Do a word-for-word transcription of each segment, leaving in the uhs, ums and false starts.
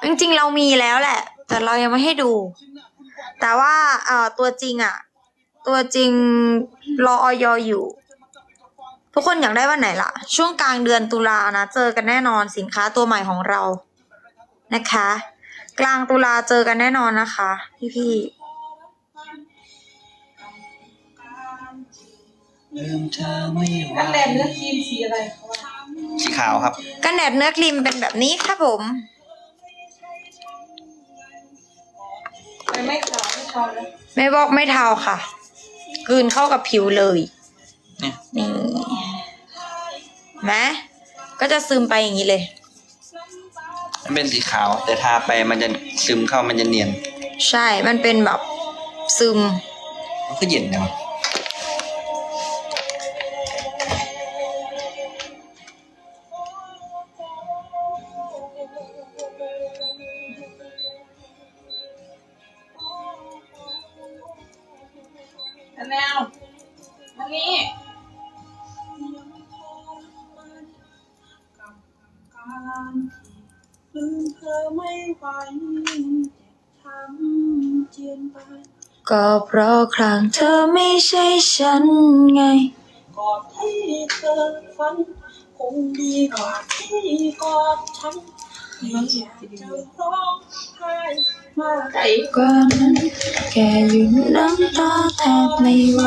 จริงๆเรามีแล้วแหละ แต่เรายังไม่ให้ดู แต่ว่าเอ่อตัวจริงอ่ะ ตัวจริงรอออยอยู่ ทุกคนอยากได้วันไหนล่ะ ช่วงกลางเดือนตุลานะเจอกันแน่นอนสินค้าตัวใหม่ของเรานะคะ กลางตุลาเจอกันแน่นอนนะคะ พี่ๆกันแดดเนื้อครีมสีอะไรคะสีขาวครับกันแดดเนื้อครีมเป็นแบบนี้ครับผมไม่ไม่ขาวไม่ขาวเลยไม่บอกไม่เทาค่ะกลืนเข้ากับผิวเลยเนี่ยนี่ไหมก็จะซึมไปอย่างนี้เลยมันเป็นสีขาว แต่ทาไปมันจะซึมเข้ามันจะเนียนใช่มันเป็นแบบซึมมันก็เย็นนะอันแนวอันนี้ลืมเธอไม่ไหวทำเจียนไปก็เพราะครั้งเธอไม่ใช่ฉันไงกอดให้เธอฝันคงดีกว่าที่กอดฉันไม่อยากจะร้องไห้มากไกลกว่านั้นแค่หยุดน้ำตาแทบไม่ไหว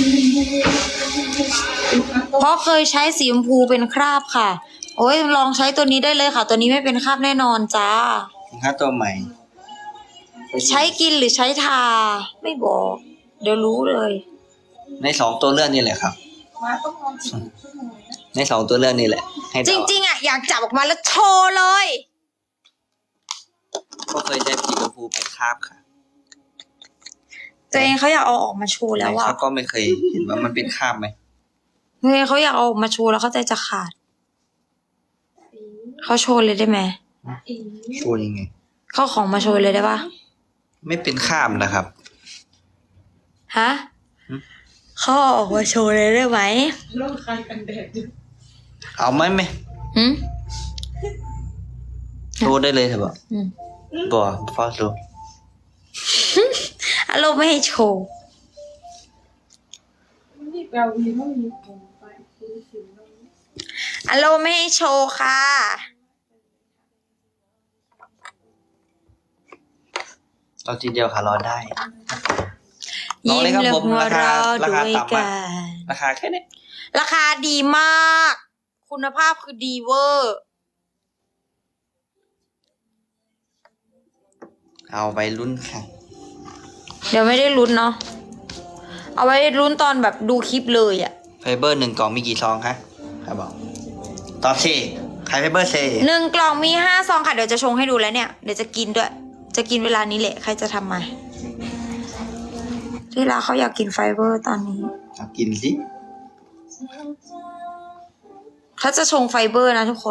เพราะเคยใช้สีชมพูเป็นคราบค่ะ โอ้ยลองใช้ตัวนี้ได้เลยค่ะ ตัวนี้ไม่เป็นคราบแน่นอนจ้าสินค้าตัวใหม่ใช้กินหรือใช้ทา ไม่บอก เดี๋ยวรู้เลยในสองตัวเลือกนี่แหละครับมาต้องนอนสิบชั่วโมงนะในสองตัวเลือกนี่แหละ ให้จเดาริงๆอ่ะอยากจับออกมาแล้วโชว์เลยก็เคยใช้สีชมพูเป็นคราบค่ะตัวเองเขาอยากเอาออกมาโชว์แล้วแต่อ่ะเขาก็ไม่เคยเห็นว่ามันเป็นคราบไหมเฮ้ยเขาอยากเอาออกมาโชว์แล้วเขาใจจะขาด เขาโชว์เลยได้ไหมโชว์ยังไงเขาของมาโชว์เลยได้ปะไม่เป็นคราบนะครับฮะหืมเขาเอาออกมาโชว์เลยได้ไหมเริ่มคลายกันแดดอยู่เอาไหมไหมหืมโชว์ได้เลยเถอะบอกอืมบอกฟอสโชว์อารมณ์ไม่ให้โชว์มันมีแปลวีมันมีผมไปคือสิวน้องอารมณ์ไม่ให้โชว์ค่ะเอาทีเดียวค่ะรอได้ ลองยิ้มเลยครับและผมหัวราคาเราะราด้คาวยต่ำกัมากนราคาแค่นี้ราคาดีมาก คุณภาพคือดีเวอร์เอาไปลุ้นค่ะเดี๋ยวไม่ได้ลุ้นเนาะ เอาไว้ลุ้นตอนแบบดูคลิปเลยอะไฟเบอร์หนึ่งกล่องมีกี่ซองคะครับบอกตอบสิขายไฟเบอร์เซหนึ่งกล่องมีห้าซองค่ะ เดี๋ยวจะชงให้ดูแล้วเนี่ย เดี๋ยวจะกินด้วย จะกินเวลานี้แหละ ใครจะทำมา ที่ร้านเขาอยากกินไฟเบอร์ตอนนี้เอากินสิเขาจะชงไฟเบอร์นะทุกคน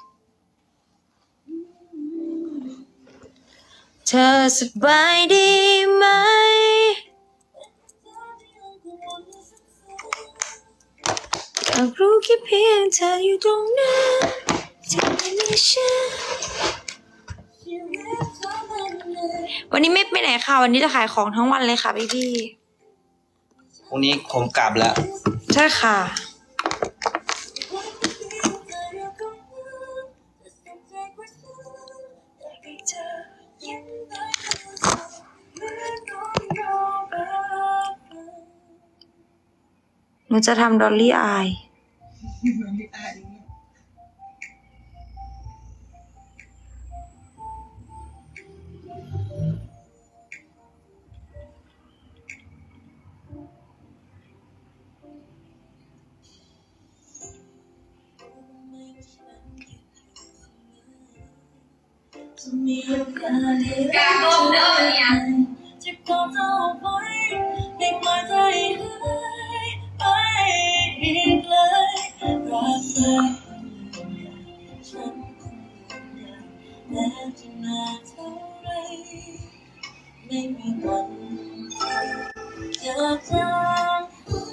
เธอสบายดีไหม อยากรู้แค่เพียงเธออยู่ตรงนั้นที่ไม่มีฉันวันนี้ไม่ไปไหนค่ะ วันนี้จะขายของทั้งวันเลยค่ะพี่พี่พรุ่งนี้ผมกลับแล้วๆใช่ค่ะ หนูจะทำดอลลี่อายไม่ตายอย่างเงี้ยการต้มเด้อเนี่ยจะกอดเธอไว้ให้ปล่อยใจหายไปอีกเลยรักเธอฉันคงแม้จะนานเท่าไรไม่มีวันจะจางหาย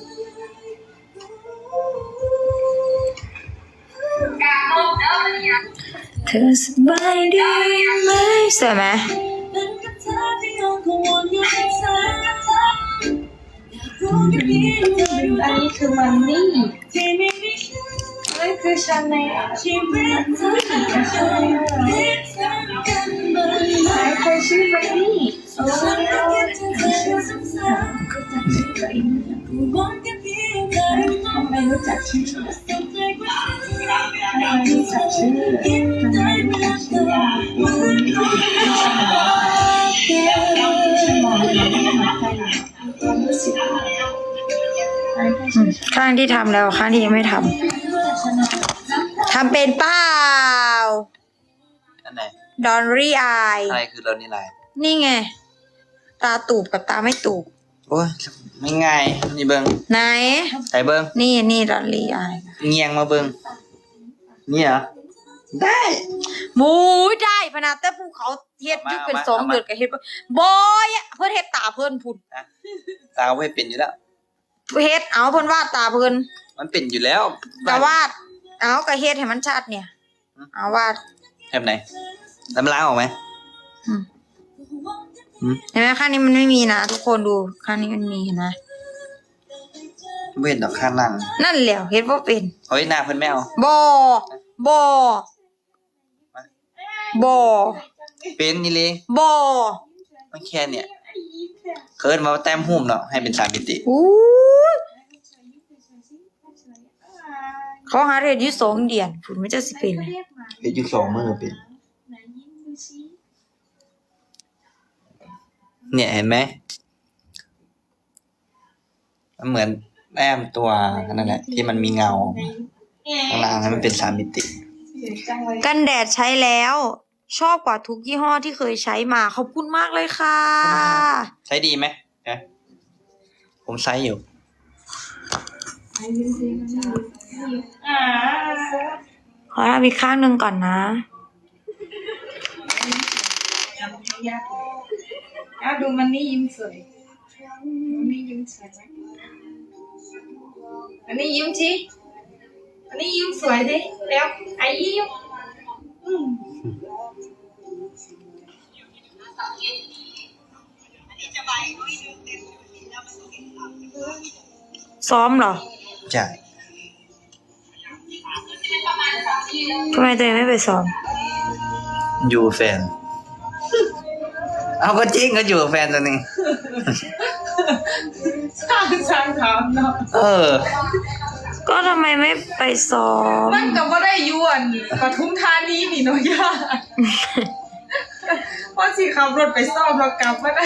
การต้มเด้อเนี่ยเธอสบายดีไหมสวยไหมเป็นกับเธอที่ยังกังวลอยู่ที่เธออยากรู้แค่เพียงเธอรู้อันนี้คือมันนี่ที่ไม่มีฉันนั่นคือชาแนลชีวิตเธอจะใช่คิดถึงกันบ้างไหมไหนเคยชื่อมันนี่โอ้ฉันก็คิดถึงเธออยู่ซ้ำก็จำชื่อตัวเองๆกูหวังแค่เพียงเธอรู้ทำไมรู้จักชื่อสนใจกว่าฉันทำไมรู้จักชื่อคิดได้เวลาเธอวันนี้ชื่อมองมาใครความรู้สึกอะไรก็อืชื่อมข้างที่ทำแล้วข้างที่ยังไม่ทำทำเป็นเปล่าอันไหนดอนรี่อายอะไรคือเรานี่ไรนี่ไง ตาตูบกับตาไม่ตูบโอ้ยไม่ง่ายนี่เบิ้งไหนใส่เบิ้งนี่นี่ดอนรี่อายเงียงมาเบิ้งนี่เหรอได้หมูได้พนาแต่ภูเขาเฮ็ดอยุเป็นเอามาสองเอามาเดือนกับเฮ็ดบ่บอยอะเพิ่นเฮ็ดตาเพิ่นพุ่นตาไม่เป็นอยู่แล้วเฮ็ดเอาเพิ่นวาดตาเพิ่นมันเป็นอยู่แล้วก็วาด เอาก็เฮ็ดให้มันชัดเนี่ย เอาวาดแบบไหนน้ำล้างออกไหมอืมอืมเห็นไหมข้างนี้มันไม่มีนะทุกคนดูข้างนี้มันมีเห็นไหมเว้นดอกข้างล่างนั่นแหละเฮ็ดบ่เป็นเฮ้ยหน้าเพิ่นไม่เอาบ่บ่บ่เป็นนี่เลยบ่มันแค่เนี่ยเคิร์ดมาแต้มหุ่มเนาะให้เป็นสามมิติอู้ยเขาหาเรียนอยู่สองเดือนพุ่นมันจะสิเป็นไหมเดี๋ยวยุคสองมือเป็นไหนยิ้มดูสิเนี่ยเห็นไหมมันเหมือนแต้มตัวนั่นแหละที่มันมีเงาข้างล่างให้มันเป็นสามมิติจังเลยกันแดดใช้แล้ว ชอบกว่าทุกยี่ห้อที่เคยใช้มาขอบคุณมากเลยค่ะใช้ดีไหมนะผมใช้อยู่อ่าขอทำอีกข้างหนึ่งก่อนนะจำไม่ยากเลยอ้าวดูมันนี่ยิ้มสวยมันนี่ยิ้มสวยไหมอันนี้ยิ้มสิอันนี้ยิ้มสวยดิแล้วไอ้ยิ้มอืมซ้อมเหรอใช่ทำไมตัวเองไม่ไปซ้อมอยู่แฟน เอาก็จริงก็อยู่กับแฟนตัวนึงสร้างสร้างถามเนาะเออก็ทำไมไม่ไปซ้อมมันก็บ่ได้ยวนปทุมธานีนี่เนาะย่าเพราะสิขับรถไปซ่อมแล้วกลับมาได้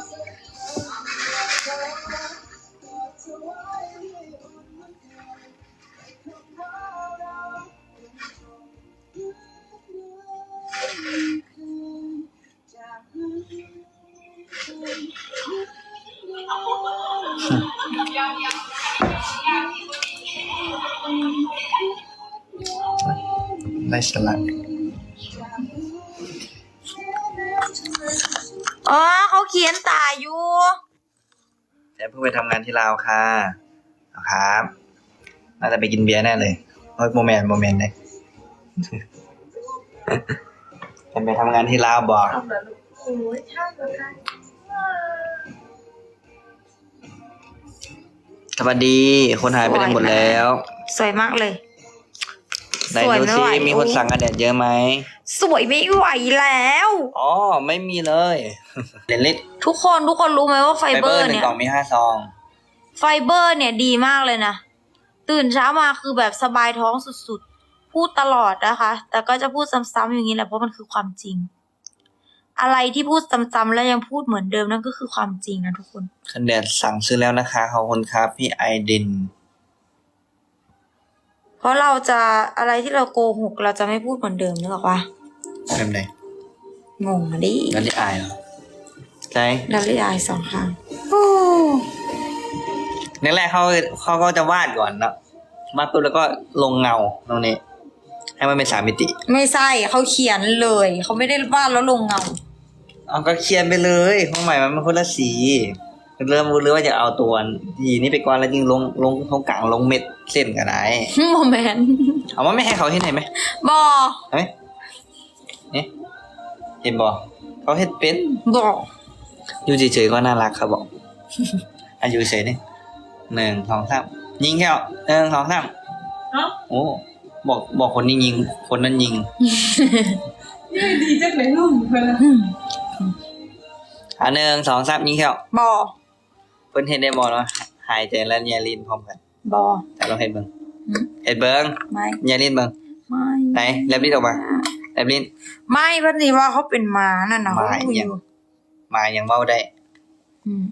ได้สลัดอ๋อเขาเขียนตาอยู่แต่เพิ่งไปทำงานที่ลาวค่ะเอาครับน่าจะไปกินเบียร์แน่เลยเฮ้ยโมเมนต์โมเมนต์เลย จะไปทำงานที่ลาวบอกเอาแบบโอ้ยชอบเลยค่ะสวัสดีคนหายไปไหนหมดแล้วสวยมากเลยไหนสวยดูไม่ซิไหวมีคนสั่งกันแดดเยอะไหมสวยไม่ไหวแล้วอ๋อไม่มีเลยเลนเล็กทุกคนทุกคนรู้ไหมว่าไฟไฟเบเบออร์ร์หนึ่งเนี่ยกล่องมีห้าซองไฟเบอร์เนี่ยดีมากเลยนะ ตื่นเช้ามาคือแบบสบายท้องสุดๆ พูดตลอดนะคะ แต่ก็จะพูดซ้ำๆอย่างนี้แหละเพราะมันคือความจริง อะไรที่พูดซ้ำๆแล้วยังพูดเหมือนเดิมนั่นก็คือความจริงนะทุกคนกันแดดสั่งซื้อแล้วนะคะขอบคุณครับพี่ไอเดนเพราะเราจะอะไรที่เราโกหกเราจะไม่พูดเหมือนเดิมนึกออกปะเป็นไงงงอะดิกันที่อายเหรอใช่ดัลลี่อายสองครั้งโอ้แรกๆเขาเขาก็จะวาดก่อนเนาะวาดปุ๊บแล้วก็ลงเงาตรงนี้ ให้มันเป็นสามมิติไม่ใช่เขาเขียนเลยเขาไม่ได้วาดแล้วลงเงาเอาก็เขียนไปเลยของใหม่มันเป็นคนละสีเริ่มรู้เลยว่าจะเอาตัวทีนี้ไปก่อนแล้วยิงลงลงตรงกลางลงเม็ดเส้นกันไหนโมเมนต์เอาว่าไม่ให้เขาที่ไหนไหมบอเฮ้ยนี่เห็นบ่เขาเฮ็ดเป็นบอกอยู่เฉยๆก็น่ารักครับบอก อายุเฉยนี่หนึ่งสองสามยิงแค่หนึ่งสองสามเอ้าโอ้บอกบอกคนนี้ยิง คนนั้นยิงนี่ดีจังเลยลูกเพื่อนอ่ะหนึ่งสองสามยิงแค่บอเพิ่นเฮ็ดได้บ่เนาะหายใจและเนียลินพร้อมกันบอแต่เราเฮ็ดเบิ่งอืมเฮ็ดเบิ่งไม่เนียลินเบิ่งไม่ไหนแลบลิ้นออกมาแลบลิ้นไม่พันธีว่าเขาเป็นหมานั่นนะหเขามาดูอยังยู่มายังเว้าได้อืม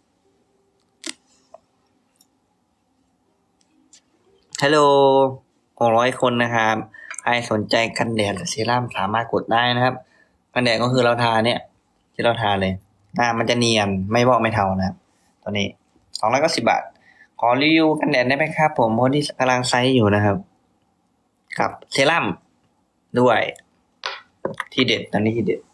ฮัลโหลหกร้อยคนนะครับใครสนใจกันแดดหรือเซรั่มสามารถกดได้นะครับกันแดดก็คือเราทาเนี่ย ที่เราทาเลยหน้ามันจะเนียนไม่บอกไม่เทานะครับตัวนี้สองร้อยเก้าสิบบาท ขอรีวิวกันแดดได้ไหมครับผมคนที่กำลังไซส์อยู่นะครับ กับเซรั่มด้วย ที่เด็ดตอนนี้ที่เด็ด